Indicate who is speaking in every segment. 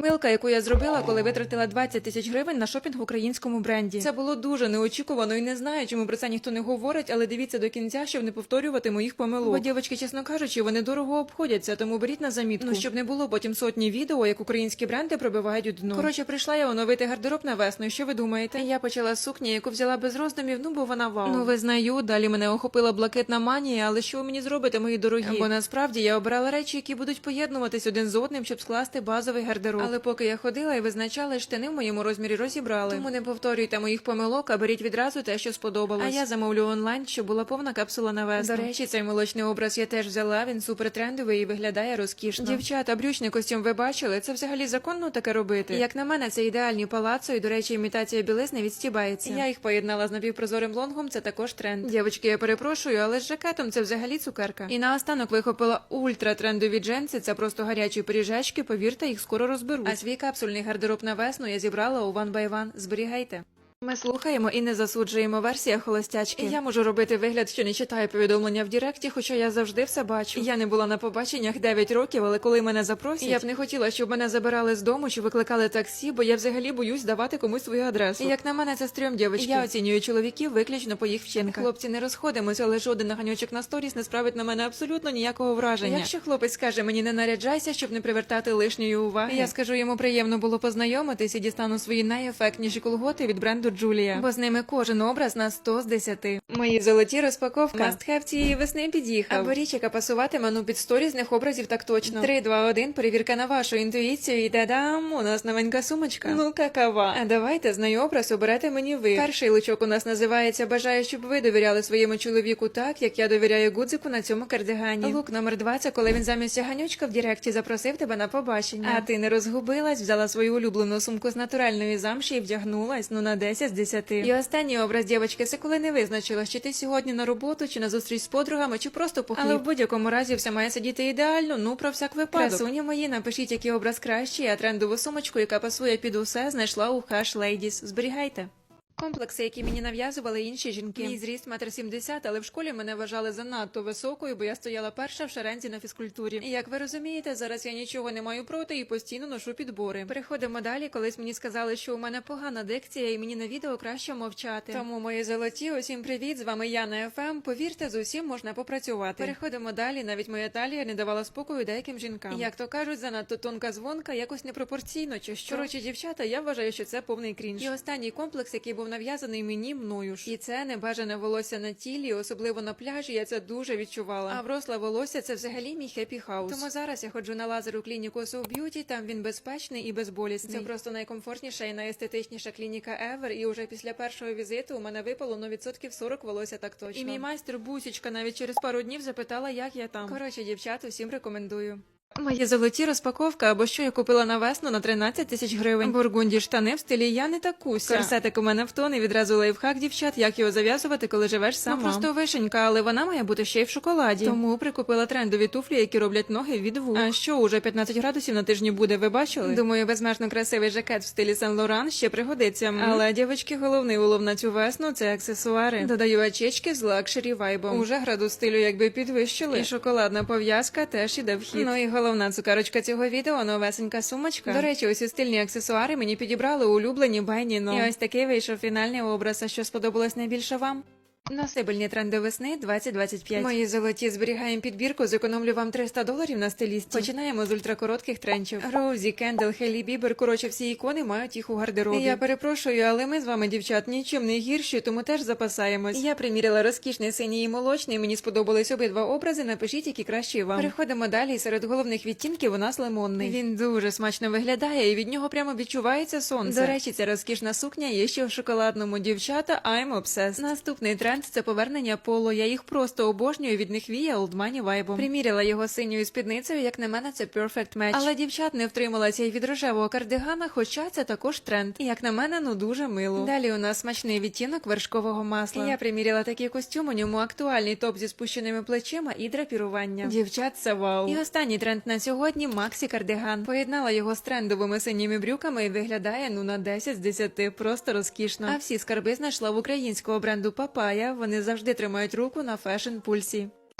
Speaker 1: Помилка, яку я зробила, коли витратила 20 тисяч гривень на шопінг в українському бренді. Це було дуже неочікувано і не знаю, чому про це ніхто не говорить, але дивіться до кінця, щоб не повторювати моїх помилок. Бо, дівчатки, чесно кажучи, вони дорого обходяться, тому беріть на замітку. Ну, щоб не було потім сотні відео, як українські бренди пробивають у дно. Коротше, прийшла я оновити гардероб на весну. Що ви думаєте? Я почала з сукні, яку взяла без роздумів, ну бо вона вау. Ну, визнаю, далі мене охопила блакитна манія, але що ви мені зробите, мої дорогі? Бо насправді я обирала речі, які будуть поєднуватись один з одним, щоб скласти базовий гардероб. Але поки я ходила і визначала, штани в моєму розмірі розібрали. Тому не повторюйте моїх помилок, а беріть відразу те, що сподобалось. А я замовлю онлайн, щоб була повна капсула на весну. До речі, цей молочний образ я теж взяла, він супер трендовий і виглядає розкішно. Дівчата, брючний костюм ви бачили? Це взагалі законно таке робити? Як на мене, це ідеальні палацо, і, до речі, імітація білизни відстібається. Я їх поєднала з напівпрозорим лонгом, це також тренд. Дівчатки, я перепрошую, але з жакетом це взагалі цукерка. І наостанок вихопила ультра-трендові джинси, це просто гарячі пиріжечки, повірте, їх скоро розберуть. А свій капсульний гардероб на весну я зібрала у One by One. Зберігайте. Ми слухаємо і не засуджуємо версія холостячки. Я можу робити вигляд, що не читаю повідомлення в Діректі, хоча я завжди все бачу. Я не була на побаченнях 9 років, але коли мене запросять, я б не хотіла, щоб мене забирали з дому чи викликали таксі, бо я взагалі боюсь давати комусь свою адресу. І як на мене, це стрьом, дівчатки. Я оцінюю чоловіків виключно по їх вчинках. Хлопці, не розходимося, але жоден наганьочок на сторіс не справить на мене абсолютно ніякого враження. Якщо хлопець скаже мені не наряджайся, щоб не привертати лишньої уваги, я скажу йому приємно було познайомитись і дістану свої найефектніші колготи від бренду Джулія, бо з ними кожен образ на 100 з 10. Мої золоті розпаковка. Must-have цієї весни під'їхав. Або річ, яка пасуватиме, ну під сторізних образів так точно. 3, 2, 1, перевірка на вашу інтуїцію і та-дам, у нас новенька сумочка. Ну какава. А давайте з нею образ оберете мені ви. Перший лучок у нас називається «Бажаю, щоб ви довіряли своєму чоловіку так, як я довіряю гудзику на цьому кардигані». Лук номер 2 – це коли він замість ганючка в Діректі запросив тебе на побачення. А ти не розгубилась, взяла свою улюблену сумку з натуральної замші і вдягнулась, ну на 10 з 10. І останній образ, дівчатки, це коли не визначила, чи ти сьогодні на роботу, чи на зустріч з подругами, чи просто по хліб. Але в будь-якому разі все має сидіти ідеально, ну про всяк випадок. Красуні мої, напишіть, який образ кращий, а трендову сумочку, яка пасує під усе, знайшла у Hush Ladies. Зберігайте. Комплекси, які мені нав'язували інші жінки. Мій зріст 1,70 м, але в школі мене вважали занадто високою, бо я стояла перша в шерензі на фізкультурі. І як ви розумієте, зараз я нічого не маю проти і постійно ношу підбори. Переходимо далі, колись мені сказали, що у мене погана дикція і мені на відео краще мовчати. Тому, мої золоті, усім привіт, з вами Яна ФМ. Повірте, з усім можна попрацювати. Переходимо далі, навіть моя талія не давала спокою деяким жінкам. Як то кажуть, занадто тонка дзвонка, якось непропорційно чи що. Коротше, дівчата, я вважаю, що це повний крінж. І останній комплекс, який був нав'язаний мені мною ж. І це небажане волосся на тілі, особливо на пляжі, я це дуже відчувала. А вросле волосся – це взагалі мій хеппі хаус. Тому зараз я ходжу на лазер у клініку So Beauty, там він безпечний і безболісний. Це просто найкомфортніша і найестетичніша клініка ever, і уже після першого візиту у мене випало, ну, відсотків 40 волосся так точно. І мій майстер Бусічка навіть через пару днів запитала, як я там. Коротше, дівчат, усім рекомендую. Мої золоті розпаковка, або що я купила на весну на 13 тисяч гривень. Бургунді штани в стилі «Я не такуся». Корсетик у мене в тон і відразу лайфхак, дівчат, як його зав'язувати, коли живеш сама. Ну, просто вишенька, але вона має бути ще й в шоколаді. Тому прикупила трендові туфлі, які роблять ноги від вух. А що, уже 15 градусів на тижні буде, ви бачили? Думаю, безмежно красивий жакет в стилі Сен-Лоран ще пригодиться. Але, дівчатки, головний улов на цю весну – це аксесуари. Додаю очечки з лакшері вайбом. Уже градус стилю якби підвищили. І шоколадна пов'язка теж іде в хід. Ну і головна цукерочка цього відео – новесенька сумочка. До речі, усі стильні аксесуари мені підібрали улюблені Бенні Но. І ось такий вийшов фінальний образ. А що сподобалось найбільше вам? Носибельні тренди весни 2025. Мої золоті, зберігаємо підбірку, зекономлю вам $300 на стилісті. Починаємо з ультракоротких тренчів. Роузі, Кендал, Хейлі Бібер, коротше, всі ікони мають їх у гардеробі. Я перепрошую, але ми з вами, дівчат, нічим не гірші, тому теж запасаємось. Я приміряла розкішний синій і молочний, мені сподобались обидва образи, напишіть, які кращі вам. Переходимо далі, серед головних відтінків у нас лимонний. Він дуже смачно виглядає і від нього прямо відчувається сонце. До речі, ця розкішна сукня є ще в шоколадному. Дівчата, I'm obsessed. Наступний тренд – це повернення поло. Я їх просто обожнюю, від них віє олдмані вайбом. Приміряла його синьою спідницею, як на мене, це perfect match. Але дівчат не втрималася й від рожевого кардигана, хоча це також тренд. І як на мене, ну дуже мило. Далі у нас смачний відтінок вершкового масла. Я приміряла такий костюм, у ньому актуальний топ зі спущеними плечима і драпірування. Дівчат, це вау. І останній тренд на сьогодні – Максі кардиган. Поєднала його з трендовими синіми брюками і виглядає, ну, на 10 з 10. Просто розкішно. А всі скарби знайшла в українського бренду Папая. Вони завжди тримають руку на фешн-пульсі.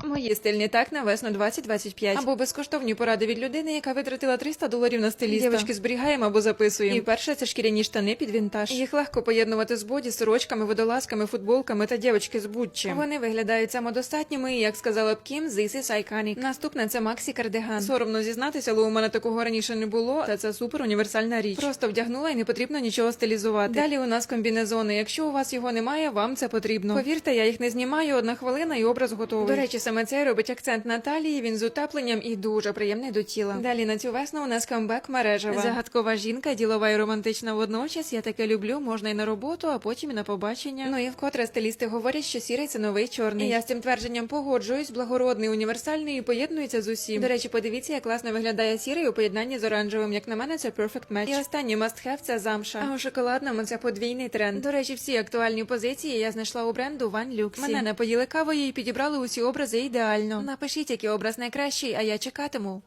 Speaker 1: Мої стильні так на весну 2025. Або безкоштовні поради від людини, яка витратила $300 на стиліста. Дівчатки, зберігаємо або записуємо. І перше, це шкіряні штани під вінтаж. Їх легко поєднувати з боді, сорочками, водолазками, футболками та дівчатки з будь-чим. Вони виглядають самодостатніми і, як сказала б Кім, this is iconic. Наступне це Максі кардиган. Соромно зізнатися, але у мене такого раніше не було, та це супер універсальна річ. Просто вдягнула і не потрібно нічого стилізувати. Далі у нас комбінезони. Якщо у вас його немає, вам це потрібно. Повірте, я їх не знімаю, 1 хвилина і образ готовий. До речі, саме цей робить акцент на талії, він з утепленням і дуже приємний до тіла. Далі на цю весну у нас камбек мережева. Загадкова жінка, ділова і романтична водночас. Я таке люблю, можна і на роботу, а потім і на побачення. Ну і вкотре стилісти говорять, що сірий це новий чорний. І я з цим твердженням погоджуюсь, благородний, універсальний і поєднується з усім. До речі, подивіться, як класно виглядає сірий у поєднанні з оранжевим. Як на мене, це perfect match. І останній must-have – це замша. А у шоколадному це подвійний тренд. До речі, всі актуальні позиції я знайшла у бренду One Luxy. Мене напоїли кавою і підібрали усі образи ідеально. Напишіть, який образ найкращий, а я чекатиму.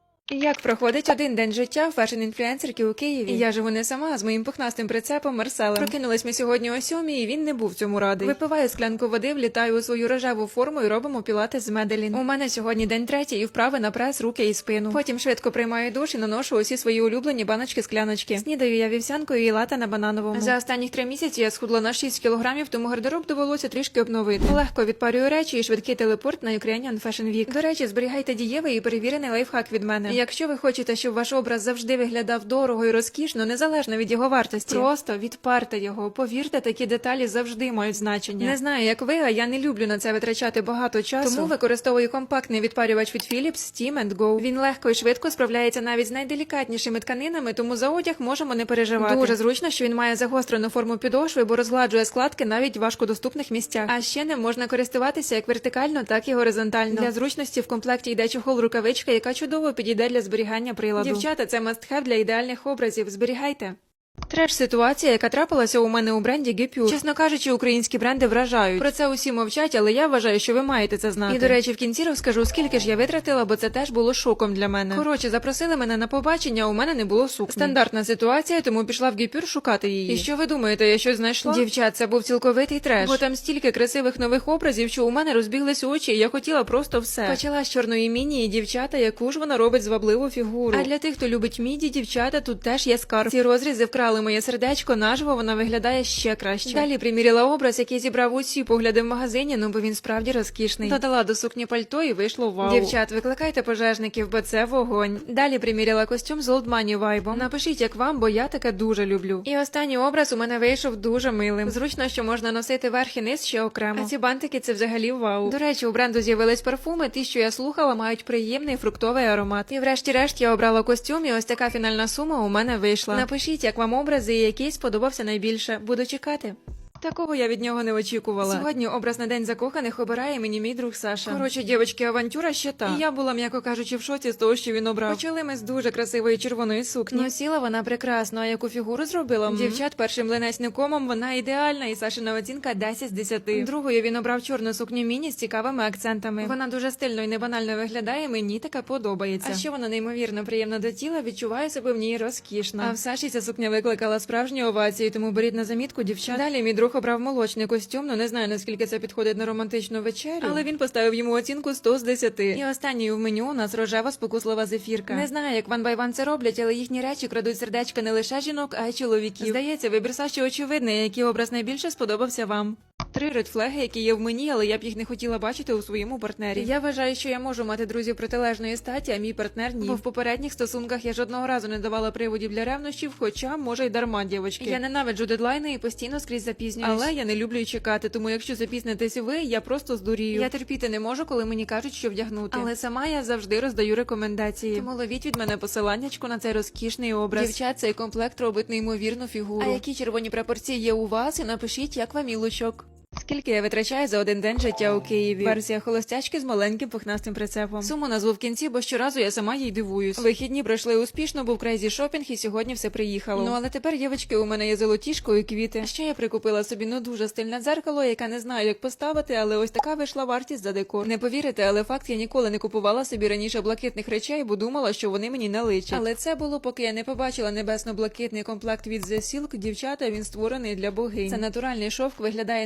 Speaker 1: Як проходить один день життя фешн-інфлюенсерки у Києві? І я живу не сама, а з моїм пухнастим прицепом Марселем. Прокинулись ми сьогодні о 7:00, і він не був цьому радий. Випиваю склянку води, влітаю у свою рожеву форму і робимо пілатес з Меделін. У мене сьогодні день третій і вправи на прес, руки і спину. Потім швидко приймаю душ і наношу усі свої улюблені баночки-скляночки. Снідаю я вівсянкою і лате на банановому. За останні 3 місяці я схудла на 6 кілограмів, тому гардероб довелося трішки обновити. Легко відпарюю речі і швидкий телепорт на Ukrainian Fashion Week. До речі, зберігайте дієвий і перевірений лайфхак від мене. Якщо ви хочете, щоб ваш образ завжди виглядав дорого і розкішно, незалежно від його вартості, просто відпарте його. Повірте, такі деталі завжди мають значення. Не знаю, як ви, а я не люблю на це витрачати багато часу. Тому використовую компактний відпарювач від Philips Steam & Go. Він легко і швидко справляється навіть з найделікатнішими тканинами, тому за одяг можемо не переживати. Дуже зручно, що він має загострену форму підошви, бо розгладжує складки навіть в важкодоступних місцях. А ще ним можна користуватися як вертикально, так і горизонтально. Для зручності в комплекті йде чохол-рукавичка, яка чудово підійде для зберігання приладу. Дівчата, це must-have для ідеальних образів. Зберігайте. Треш-ситуація, яка трапилася у мене у бренді Guipure. Чесно кажучи, українські бренди вражають. Про це усі мовчать, але я вважаю, що ви маєте це знати. І, до речі, в кінці розкажу, скільки ж я витратила, бо це теж було шоком для мене. Коротше, запросили мене на побачення, а у мене не було сукні. Стандартна ситуація, тому пішла в Guipure шукати її. І що ви думаєте, я щось знайшла? Дівчат, це був цілковитий треш. Бо там стільки красивих нових образів, що у мене розбіглись очі, і я хотіла просто все. Почала з чорної міні, і дівчата, яку ж вона робить звабливу фігуру. А для тих, хто любить міді, дівчата, тут теж є скарб. Ці розрізи вкрали моє сердечко, наживо вона виглядає ще краще. Далі приміряла образ, який зібрав усі погляди в магазині, ну бо він справді розкішний. Додала до сукні пальто і вийшло вау. Дівчат, викликайте пожежників, бо це вогонь. Далі приміряла костюм з Old Money вайбом. Напишіть, як вам, бо я таке дуже люблю. І останній образ у мене вийшов дуже милим. Зручно, що можна носити верх і низ ще окремо. А ці бантики – це взагалі вау. До речі, у бренду з'явились парфуми, ті, що я слухала, мають приємний фруктовий аромат. І врешті-решт я обрала костюм, і ось така фінальна сума у мене вийшла. Напишіть, як вам образи і який сподобався найбільше. Буду чекати. Такого я від нього не очікувала. Сьогодні образ на День закоханих обирає мені мій друг Саша. Коротше, дівчатки, авантюра ще та. І я була, м'яко кажучи, в шоці з того, що він обрав. Почали ми з дуже красивої червоної сукні. Носіла вона прекрасно, а яку фігуру зробила? Дівчат, першим линець комом вона ідеальна, і Сашина оцінка 10 з 10. Другою він обрав чорну сукню міні з цікавими акцентами. Вона дуже стильно і небанально виглядає, мені така подобається. А ще вона неймовірно приємна до тіла, відчуваю себе в ній розкішно. А в Саші ця сукня викликала справжні овації, тому беріть на замітку, дівчат. Далі мій друг обрав молочний костюм, ну не знаю, наскільки це підходить на романтичну вечерю, але він поставив йому оцінку 100 з 10. І останньою в меню у нас рожева спокуслива зефірка. Не знаю, як One by One це роблять, але їхні речі крадуть сердечка не лише жінок, а й чоловіків. Здається, вибір Саші очевидний, який образ найбільше сподобався вам. 3 редфлеги, які є в мені, але я б їх не хотіла бачити у своєму партнері. Я вважаю, що я можу мати друзів протилежної статі, а мій партнер ні. Бо в попередніх стосунках я жодного разу не давала приводів для ревнощів, хоча, може, й дарма, дівочки. Я ненавиджу дедлайни і постійно скрізь запізнююсь. Але я не люблю й чекати, тому якщо запізнитесь ви, я просто здурію. Я терпіти не можу, коли мені кажуть, що вдягнути. Але сама я завжди роздаю рекомендації. Тому ловіть від мене посиланнячку на цей розкішний образ. Дівчат, цей комплект робить неймовірну фігуру. А які червоні прапорці є у вас? І напишіть, як вам і лучок. Скільки я витрачаю за один день життя у Києві? Версія холостячки з маленьким пухнастим прицепом. Суму назву в кінці, бо щоразу я сама їй дивуюсь. Вихідні пройшли успішно, був крейзі шопінг, і сьогодні все приїхало. Ну але тепер, дівчатки, у мене є золотішко і квіти. Ще я прикупила собі дуже стильне дзеркало, яке не знаю, як поставити, але ось така вийшла вартість за декор. Не повірите, але факт, я ніколи не купувала собі раніше блакитних речей, бо думала, що вони мені не личать. Але це було, поки я не побачила небесно-блакитний комплект від The Silk. Дівчата, він створений для богинь. Це натуральний шовк, виглядає неймовірно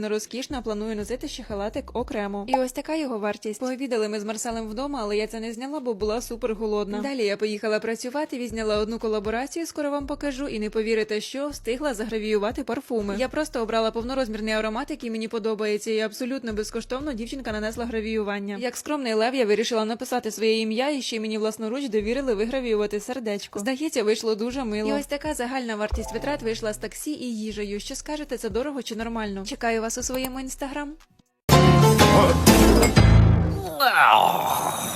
Speaker 1: неймовірно розкішна, а планую носити ще халатик окремо. І ось така його вартість. Пообідали ми з Марселем вдома, але я це не зняла, бо була супер голодна. Далі я поїхала працювати, відзняла одну колаборацію, скоро вам покажу, і не повірите, що встигла загравіювати парфуми. Я просто обрала повнорозмірний аромат, який мені подобається, і абсолютно безкоштовно дівчинка нанесла гравіювання. Як скромний лев, я вирішила написати своє ім'я, і ще й мені власноруч довірили вигравіювати сердечко. Здається, вийшло дуже мило. І ось така загальна вартість витрат вийшла з таксі і їжею. Що скажете, це дорого чи нормально? Чекаю вас у своєму інстаграм.